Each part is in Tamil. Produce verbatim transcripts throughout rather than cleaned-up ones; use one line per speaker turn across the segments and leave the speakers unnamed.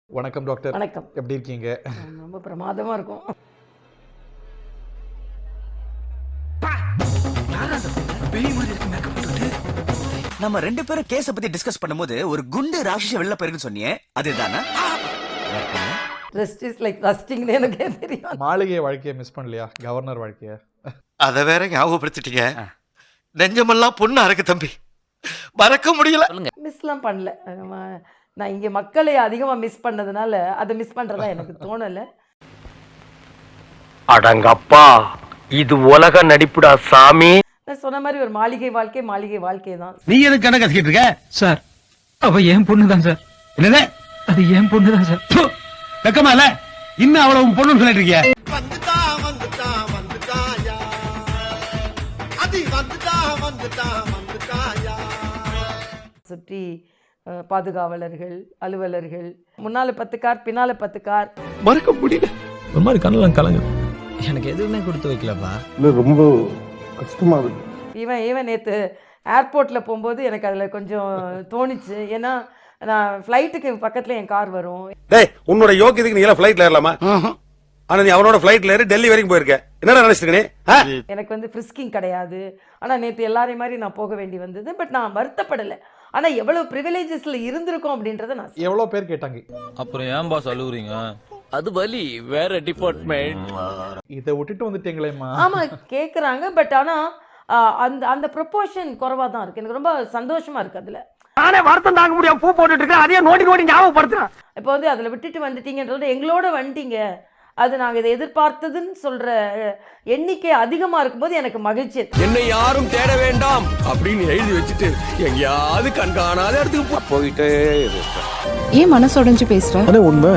வணக்கம் டாக்டர்.
வணக்கம்.
எப்படி இருக்கீங்க?
ரொம்ப பிரமாதமா இருக்கும்.
நம்ம ரெண்டு பேரும் கேஸ பத்தி டிஸ்கஸ் பண்ணும்போது ஒரு குண்டு ராட்சச வெளில போயிருக்குன்னு சொன்னியே, அதுதானா?
ரெஸ்ட் இஸ் லைக் ரஸ்டிங்னு எனக்கே தெரியும்.
மாளிகை வாழ்க்கையை மிஸ் பண்ணலையா? கவர்னர் வாழ்க்கையை
அதை வேற ஞாபகப்படுத்திட்டீங்க. நெஞ்சமெல்லாம் பொண்ணு அறக்கு தம்பி, மறக்க முடியல.
மிஸ்லாம் பண்ணல. நம்ம- நான் இங்கே மக்களை அதிகமாக மிஸ் பண்ணதுனால அதை மிஸ் பண்ணுறதா எனக்கு தோணலை.
அடங்கப்பா, இது உலக நடிப்புடா சாமி.
நான் சொன்ன மாதிரி ஒரு மாளிகை வாழ்க்கை மாளிகை வாழ்க்கை தான்.
நீ எதுக்கு கணக்கு கத்திக்கிட்டு இருக்க
சார்? அவ என் பொண்ணு தான் சார்.
என்னது?
அது என் பொண்ணு தான் சார்.
ப்பு, வெக்கமா இல்ல? இன்னும் அவ்வளவு பொண்ணுன்னு சொல்லிட்டு இருக்கிய?
வந்துட்டா வந்துட்டா வந்துட்டாயா, அது வந்துட்டா வந்துட்டா வந்துட்டாயா.
சுற்றி அஹ், பாதுகாவலர்கள், அலுவலர்கள், முன்னால பத்து கார் பின்னால பத்து கார்.
மறக்க முடியல.
ஒரு மாதிரி கண்ணெல்லாம் கலங்கு.
எனக்கு எதுவுமே கொடுத்து வைக்கலப்பா.
இல்லை ரொம்ப கஷ்டமாக இருக்கு.
இவன் இவன் நேற்று ஏர்போர்ட்டில் போகும்போது எனக்கு அதில் கொஞ்சம் தோணுச்சு. ஏன்னா நான் ஃப்ளைட்டுக்கு பக்கத்தில் என் கார் வரும்.
டேய், உன்னோட யோக்கியத்துக்கு நீ எல்லாம் ஃபிளைட்ல ஏறலாமா? ஆனா நீ அவனோட ஃபிளைட்ல ஏறி டெல்லி வரைக்கும் போயிருக்க. என்னடா நினைச்சிட்டு நீ? ஆ?
எனக்கு வந்து ஃப்ரிஸ்கிங் கிடையாது. ஆனால் நேற்று எல்லாரையும் மாதிரி நான் போக வேண்டி வந்தது. பட் நான் வருத்தப்படலை. ஆனால் எவ்வளோ ப்ரிவிலேஜஸில் இருந்திருக்கோம் அப்படின்றத நான்
எவ்வளோ பேர் கேட்டாங்க.
அப்புறம் ஏன் பாஸ் அழுவுறீங்க? அது வலி வேற டிபார்ட்மெண்ட்.
இதை விட்டுட்டு வந்துட்டீங்களேம்மா.
ஆமாம் கேட்குறாங்க. பட் ஆனால் அந்த அந்த ப்ரொப்போர்ஷன் குறைவாக தான் இருக்குது. எனக்கு ரொம்ப சந்தோஷமாக இருக்குது அதில்.
நானே வருத்தம் தாங்க முடியாம பூ போட்டுட்டு இருக்கேன், அதையே நோண்டி நோண்டி ஞாபகப்படுத்துறேன்.
இப்போ வந்து அதில் விட்டுட்டு வந்துட்டீங்கன்றது எங்களோட வந்துட்டீங்க, அது நாங்கள் இதை எதிர்பார்த்ததுன்னு சொல்கிற எண்ணிக்கை அதிகமாக இருக்கும்போது எனக்கு மகிழ்ச்சி.
என்னை யாரும் தேட வேண்டாம் அப்படின்னு எழுதி வச்சுட்டு எங்கேயாவது கண்காணாத இடத்துக்கு போயிட்டே
ஏன் மனசு உடைஞ்சு பேசுற?
உண்மை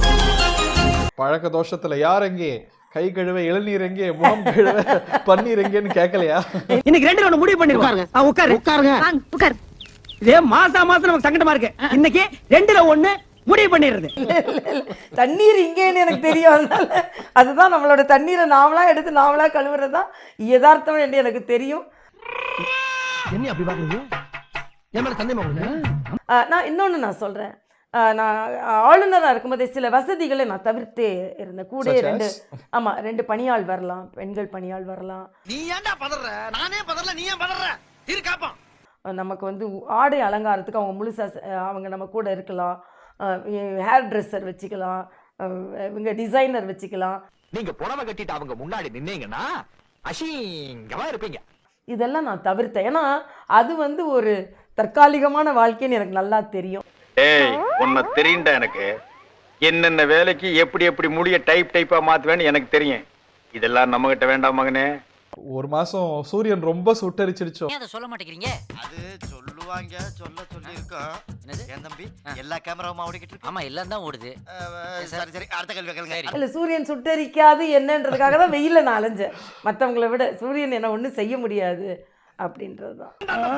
பழக்க தோஷத்துல யார் எங்கே, கை கழுவ இளநீர் எங்கே, முகம் கழுவ பன்னீர் எங்கேன்னு கேட்கலையா?
இன்னைக்கு ரெண்டு ஒண்ணு முடிவு பண்ணிருக்காங்க. உட்காரு உட்காருங்க.
உட்கார்.
இதே மாசா மாசம் நமக்கு சங்கடமா இருக்கு. இன்னைக்கு ரெண்டுல ஒண்ணு முடிவு பண்ணிடுறது.
தண்ணீர் இங்கேன்னு எனக்கு தெரியும். அதனால அதுதான் நம்மளோட தண்ணீரை நாமளா எடுத்து நாமளா கழுவுறது தான் யதார்த்தம் என்று எனக்கு தெரியும்.
என்ன அப்படி பாக்குறீங்க? என் மேல சந்தேகமா?
ஆஹ் நான் இன்னொன்று நான் சொல்கிறேன். நான் ஆளுநராக இருக்கும்போதே சில வசதிகளை நான் தவிர்த்தே இருந்தேன். கூட
Such as?
ரெண்டு ஆமாம் ரெண்டு பணியாள் வரலாம், பெண்கள் பணியாள் வரலாம்.
நீ ஏன்டா பதற? நானே பதறல, நீ ஏன் பதற? இரு காப்போம்.
நமக்கு வந்து ஆடை அலங்காரத்துக்கு அவங்க முழுசாக அவங்க நம்ம கூட இருக்கலாம். ஹேர் ட்ரெஸ்ஸர் வச்சுக்கலாம், அஹ் இவங்க டிசைனர் வச்சுக்கலாம்.
நீங்க புடவை கட்டிட்டு அவங்க முன்னாடி நின்னீங்கன்னா அசிங்கமா இருப்பீங்க.
இதெல்லாம் நான் தவிர்த்தேன். ஏன்னா அது வந்து ஒரு தற்காலிகமான வாழ்க்கைன்னு எனக்கு நல்லா தெரியும்.
ஏய், உன்னை தெரியும்டா எனக்கு. என்னென்ன வேலைக்கு எப்படி எப்படி முடிய டைப் டைப்பா மாத்துவேன்னு எனக்கு தெரியும். இதெல்லாம் நம்ம கிட்ட வேண்டாம் மகனே.
ஒரு மாசம் சூரியன் ரொம்ப சுட்டரிச்சிருச்சோம்.
அதை சொல்ல மாட்டேங்கிறீங்க?
அது சொல்லுவாங்க, சொல்ல சொல்லி இருக்கோம். என் தம்பி எல்லா கேமராவும் ஓடிக்கிட்டு இருக்கு.
ஆமா, எல்லாம் தான் ஓடுது.
அஹ், சரி சரி, அடுத்த கேள்வி கேளுங்க.
இல்லை சூரியன் சுட்டரிக்காது என்னன்றதுக்காக தான் வெயிலில் நான் அலைஞ்சேன். மற்றவங்கள விட சூரியன் என்ன ஒன்றும் செய்ய முடியாது அப்படின்றது தான்.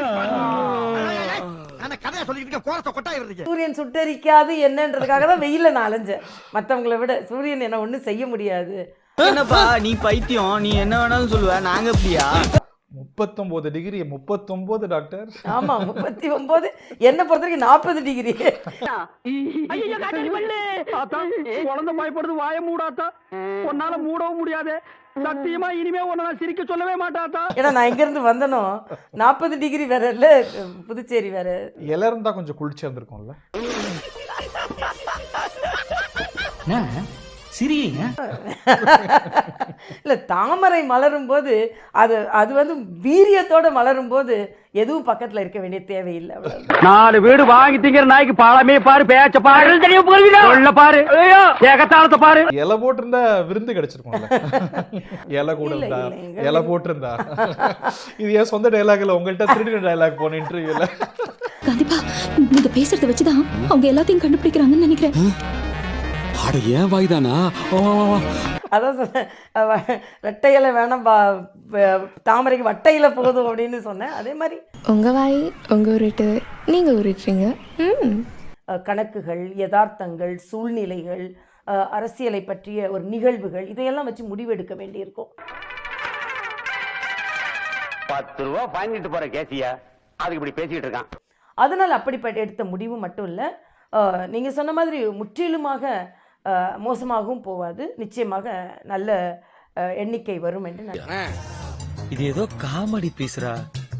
நான் கதையா சொல்லிட்டு கோரத்தை கொட்டாய் வருது.
சூரியன் சுட்டரிக்காது என்னன்றதுக்காக தான் வெயிலில் நான் அலைஞ்சேன். மற்றவங்கள விட சூரியன் என்ன ஒன்றும் செய்ய முடியாது.
என்னப்பா நீ பைத்தியம், நீ என்ன வேணாலும் சொல்லுவ, நாங்க அப்படியா?
முப்பத்தொன்பது டிகிரி முப்பத்தொன்பது டாக்டர்.
ஆமாம் முப்பத்தி ஒம்பது என்னை பொறுத்த வரைக்கும் நாற்பது டிகிரி.
குழந்தை பயப்படுது, வாய மூடாத்தா. உன்னால மூடவும் முடியாது. சத்தியமா இனிமே உன்னை சிரிக்க சொல்லவே மாட்டாத்தா.
ஏன்னா நான் எங்கேருந்து வந்தனோ நாற்பது டிகிரி வேற இல்லை, புதுச்சேரி வேற.
இல இருந்தா கொஞ்சம் குளிர்ச்சியா இருந்திருக்கும்ல.
சிரிங்க.
இல்லை தாமரை மலரும் போது அது அது வந்து வீரியத்தோட மலரும் போது எதுவும் பக்கத்தில் இருக்க வேண்டிய தேவையில்லை. அவ்வளவுதான்.
நாலு வீடு வாங்கி திங்கிற நாய்க்கு பாலமே பாரு, பேச்ச பாரு, சொல்ல பாரு, ஏகத்தாளத்தை பாரு.
இலை போட்டிருந்தா விருந்து கிடைச்சிருக்கும்ல. இலை கூட
இல்ல,
இருந்தா,
இல்ல, எங்க
இலை போட்டிருந்தா. இது ஏன் சொந்த டைலாக் இல்ல, உங்கள்கிட்ட திருடின டைலாக் போன இன்டர்வியூல.
கண்டிப்பா நீங்க பேசுறத வச்சுதான் அவங்க எல்லாத்தையும் கண்டுபிடிக்கிறாங்கன்னு நினைக்கிறேன்.
அட ஏன் வாய்தானா?
அதான் சொன்னேன், அவ- ரெட்டை இலை வேணாம், பா- ப- தாமரைக்கு வட்டை இலை போதும் அப்படின்னு சொன்னேன். அதே மாதிரி
உங்க வாய் உங்க உருட்டு, நீங்க உருட்டுறீங்க. ம்
அஹ், கணக்குகள், யதார்த்தங்கள், சூழ்நிலைகள், அஹ், அரசியலை பற்றிய ஒரு நிகழ்வுகள், இதையெல்லாம் வச்சு முடிவெடுக்க வேண்டியிருக்கும்.
பத்து ரூபா வாங்கிட்டு போற கேசியா அதுக்கு இப்படி பேசிட்டு இருக்கான்.
அதனால் அப்படிப்பட்ட எடுத்த முடிவு மட்டும் இல்லை, நீங்கள் சொன்ன மாதிரி முற்றிலுமாக அஹ், மோசமாகவும் போகாது, நிச்சயமாக நல்ல அஹ், எண்ணிக்கை வரும் என்று நான்
இது ஏதோ காமெடி பீஸ்ரா,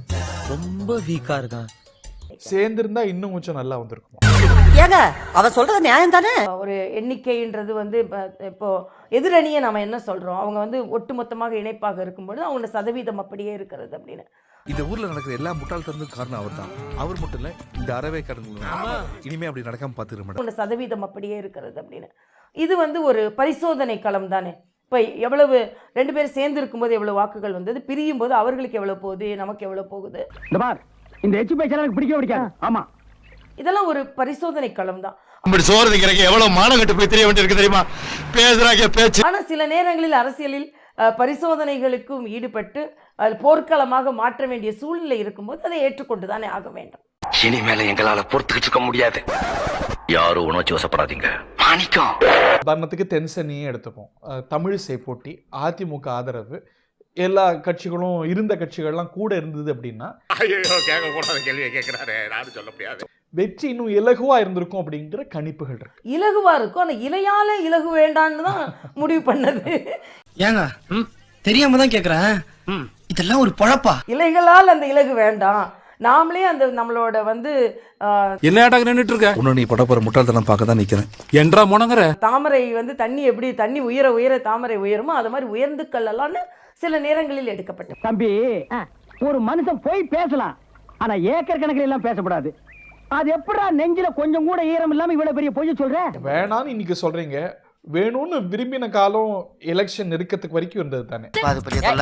ரொம்ப வீக்கா இருக்கான்.
சேர்ந்திருந்தா இன்னும் கொஞ்சம் நல்லா வந்திருக்கும்.
ஏங்க அவ சொல்றது நியாயம் தானே?
ஒரு எண்ணிக்கைன்றது வந்து இப்போ இப்போ எதிரணியை நம்ம என்ன சொல்கிறோம், அவங்க வந்து ஒட்டுமொத்தமாக இணைப்பாக இருக்கும்பொழுது அவங்களோட சதவீதம் அப்படியே இருக்கிறது அப்படின்னு.
இந்த ஊர்ல நடக்கிற எல்லா முட்டாள்தனத்துக்கும் காரணம் அவர் தான். அவர் மட்டும் இல்ல, இந்த அறவே கடந்து இனிமே அப்படி நடக்காம பாத்துக்கிற மேடம்.
அவங்களோட சதவீதம் அப்படியே இருக்கிறது அப்படின்னு. இது வந்து ஒரு பரிசோதனை களம் தானே. இப்போ எவ்வளவு ரெண்டு பேரும் சேர்ந்து இருக்கும்போது எவ்வளவு வாக்குகள் வந்தது, பிரியும் போது அவர்களுக்கு எவ்வளவு போகுது, நமக்கு எவ்வளவு போகுது.
இந்த பார், இந்த எச்சு பேச்ச எனக்கு பிடிக்க பிடிக்காது. ஆமா,
இதெல்லாம் ஒரு பரிசோதனை களம் தான்.
இப்படி சோறு திங்கிறக்கு எவ்வளவு மானம் கட்டு போய் தெரிய வேண்டியிருக்கு தெரியுமா? பேசுறாங்க பேச்சு.
ஆனா சில நேரங்களில் அரசியலில் அஹ், பரிசோதனைகளுக்கும் ஈடுபட்டு அது போர்க்களமாக மாற்ற வேண்டிய சூழ்நிலை இருக்கும்போது அதை ஏற்றுக்கொண்டு தானே ஆக வேண்டும்.
இனிமேல எங்களால பொறுத்துக்கிட்டு இருக்க முடியாது. யாரும் உணர்ச்சி வசப்படாதீங்க. மாணிக்கம்.
உதாரணத்துக்கு தென்சென்னியே எடுத்துப்போம். அஹ், தமிழிசை போட்டி, அதிமுக ஆதரவு, எல்லா கட்சிகளும் இருந்த கட்சிகள்லாம் கூட இருந்தது அப்படின்னா
கேட்க கூடாத கேள்வியை கேட்கிறாரு, நானும் சொல்ல முடியாது.
வெற்றி இன்னும் இலகுவா இருந்திருக்கும் அப்படிங்கிற கணிப்புகள் இருக்கு.
இலகுவா இருக்கும், ஆனா இலையால இலகு வேண்டான்னு தான் முடிவு பண்ணது.
ஏங்க தெரியாம தான் கேக்குறேன், இதெல்லாம் ஒரு பொழப்பா?
இலைகளால் அந்த இலகு வேண்டாம், நாமளே அந்த நம்மளோட வந்து அஹ்,
என்ன ஆட்டாக நின்னுட்டு இருக்க? உன்னை நீ படப்போற முட்டாள்தனம் பார்க்க தான் நிக்கிறேன். என்றா முனங்கற
தாமரை வந்து தண்ணி எப்படி தண்ணி உயர உயர தாமரை உயருமோ அது மாதிரி உயர்ந்து கல்லலான்னு சில நேரங்களில் எடுக்கப்பட்டது.
தம்பி, ஒரு மனுஷன் போய் பேசலாம், ஆனா ஏக்கர் கணக்கில் எல்லாம் பேசக்கூடாது. அது எப்படா நெஞ்சில கொஞ்சம் கூட ஈரம் இல்லாம இவ்வளவு பெரிய பொய் சொல்ற?
வேணான்னு இன்னைக்கு சொல்றீங்க, வேணும்னு விரும்பின காலம் எலெக்ஷன் நெருக்கத்துக்கு வரைக்கும் இருந்தது தானே.
அது பெரிய தொல்லை.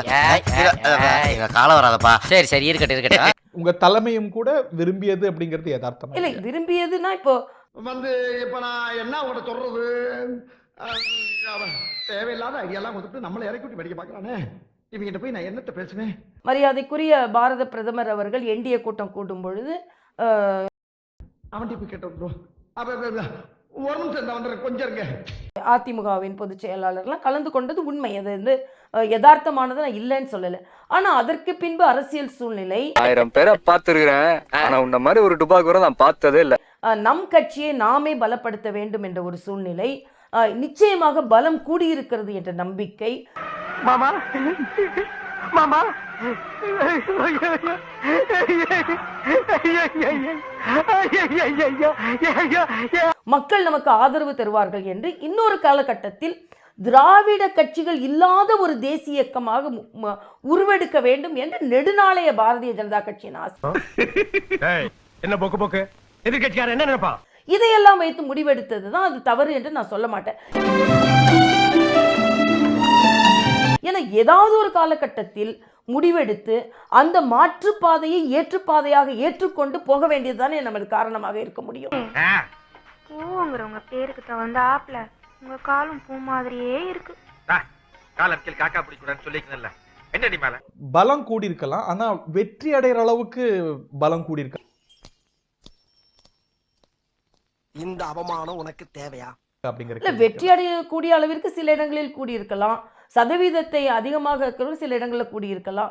எங்க காலம் வராதப்பா.
சரி சரி, இருக்கட்டும் இருக்கட்டும்.
உங்க தலைமையும் கூட விரும்பியது அப்படிங்கிறது யதார்த்தம்
இல்லை, விரும்பியதுன்னா இப்போ
வந்து இப்ப நான் என்ன உங்கள்கிட்ட சொல்றது, தேவையில்லாத ஐடியாலாம் கொடுத்துட்டு நம்மளை இறக்கி விட்டு படிக்க பாக்குறானே, இவங்கிட்ட போய் நான் என்னத்த பேசுவேன்?
மரியாதைக்குரிய பாரத பிரதமர் அவர்கள் என்டிஏ கூட்டம் கூட்டும் பொழுது அஹ்,
அவன் போய் கேட்டோம். ஒரு நிமிஷம் வந்துடுற, கொஞ்சம் இருங்க.
அதிமுகவின் பொதுச் செயலாளர்லாம் கலந்து கொண்டது உண்மை, அது வந்து அஹ், யதார்த்தமானது, நான் இல்லைன்னு சொல்லலை. ஆனா அதற்கு பின்பு அரசியல் சூழ்நிலை,
ஆயிரம் பேரை பார்த்திருக்கிறேன், ஆனா உன்ன மாதிரி ஒரு டுபாக் கூட நான் பார்த்ததே இல்ல.
அஹ், நம் கட்சியை நாமே பலப்படுத்த வேண்டும் என்ற ஒரு சூழ்நிலை, அஹ், நிச்சயமாக பலம் கூடியிருக்கிறது என்ற நம்பிக்கை.
மாமா மாமா,
மக்கள் நமக்கு ஆதரவு தருவார்கள் என்று இன்னொரு காலகட்டத்தில் திராவிட கட்சிகள் இல்லாத ஒரு தேசிய இயக்கமாக மு- ம- உருவெடுக்க வேண்டும் என்று நெடுநாளைய பாரதிய ஜனதா கட்சியின் ஆசை.
என்ன போக்கு போக்கு, எதிர்கட்சியார் என்ன நினைப்பா?
இதையெல்லாம் வைத்து முடிவெடுத்தது தான் அது தவறு என்று நான் சொல்ல மாட்டேன். ஏன்னா ஏதாவது ஒரு காலகட்டத்தில் முடிவெடுத்து அந்த மாற்றுப்பாதையை ஏற்றுப்பாதையாக ஏற்றுக்கொண்டு போக வேண்டியதுதானே நமது காரணமாக இருக்க முடியும்.
பூங்கிறவங்க பேருக்கு தகுந்த ஆப்ல உங்க காலும் பூ மாதிரியே இருக்கு.
காலத்தில் காக்கா பிடிக்கூடாதுன்னு சொல்லிக்கல. என்னடி மேல
பலம் கூடியிருக்கலாம், ஆனா வெற்றி அடைகிற அளவுக்கு பலம் கூடியிருக்கலாம்.
இந்த அவமானம் உனக்கு தேவையா?
அப்படிங்கிற
இல்ல, வெற்றி அடையக்கூடிய அளவிற்கு சில இடங்களில் கூடியிருக்கலாம், சதவீதத்தை அதிகமாக இருக்கிற சில இடங்களில் கூடியிருக்கலாம்.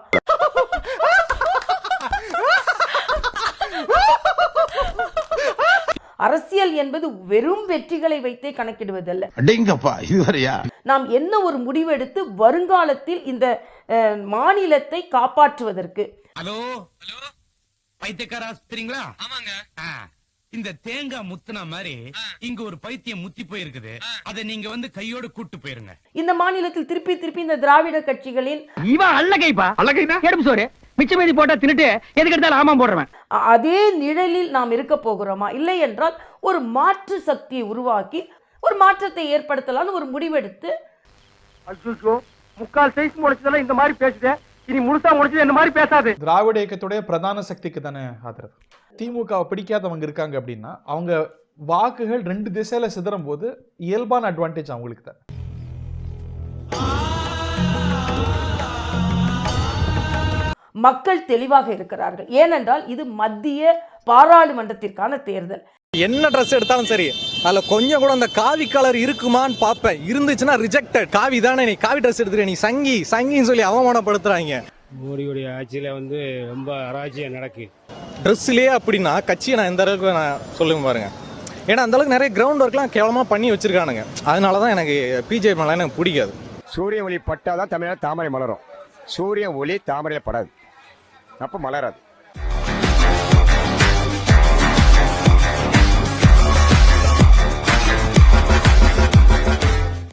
அரசியல் என்பது வெறும் வெற்றிகளை வைத்தே கணக்கிடுவதல்ல.
அடேங்கப்பா, இதுவரையா?
நாம் என்ன ஒரு முடிவெடுத்து வருங்காலத்தில் இந்த அஹ், மாநிலத்தை காப்பாற்றுவதற்கு.
ஹலோ ஹலோ, பைத்தியக்கார ஆஸ்பத்திரிங்களா? ஆமாங்க. இந்த தேங்காய் முத்துனா மாதிரி இங்க ஒரு பைத்தியம் முத்தி போயிருக்குது, அதை நீங்க வந்து கையோட கூட்டு போயிருங்க.
இந்த மாநிலத்தில் திருப்பி திருப்பி இந்த திராவிட கட்சிகளின்
இவன் அல்லகைப்பா, அல்லகைனா எடுப்பு சோறு மிச்ச மீதி போட்டா தின்னுட்டு எதுக்கு எடுத்தாலும் ஆமாம் போடுறவன்.
அ- அதே நிழலில் நாம் இருக்க போகிறோமா? இல்லை என்றால் ஒரு மாற்று சக்தியை உருவாக்கி ஒரு மாற்றத்தை ஏற்படுத்தலாம்னு ஒரு முடிவெடுத்து.
அச்சோ, முக்கால் சைஸ் முடிச்சதெல்லாம் இந்த மாதிரி பேசுதே, இனி முழுசா முடிச்சது இந்த மாதிரி பேசாது.
திராவிட இயக்கத்துடைய பிரதான சக்திக்கு தானே ஆதரவு. திமுகவை பிடிக்காதவங்க இருக்காங்க அப்படின்னா அவங்க வாக்குகள் ரெண்டு திசையில சிதறும் போது இயல்பான அட்வான்டேஜ் அவங்களுக்கு தான்.
மக்கள் தெளிவாக இருக்கிறார்கள், ஏனென்றால் இது மத்திய பாராளுமன்றத்திற்கான தேர்தல்.
என்ன ட்ரெஸ் எடுத்தாலும் சரி, அதுல கொஞ்சம் கூட அந்த காவி கலர் இருக்குமான்னு பார்ப்பேன். இருந்துச்சுன்னா ரிஜெக்டட். காவி தானே, நீ காவி ட்ரெஸ் எடுத்துக்க, நீ சங்கி சங்கின்னு சொல்லி அவமானப்படுத்துறாங்க.
மோடியுடைய ஆட்சியில வந்து ரொம்ப அராஜியம் நடக்கு.
ட்ரெஸ்லயே அப்படின்னா கட்சியை நான் எந்த அளவுக்கு நான் சொல்லுங்க பாருங்க. ஏன்னா அந்த அளவுக்கு நிறைய கிரவுண்ட் ஒர்க்லாம் கேவலமாக பண்ணி வச்சிருக்கானுங்க. அதனால தான் எனக்கு பிஜே மேலே எனக்கு பிடிக்காது.
சூரிய ஒளி பட்டாதான் தமிழ்நாடு தாமரை மலரும். சூரிய ஒளி தாமரையில் படாது, அப்போ மலராது.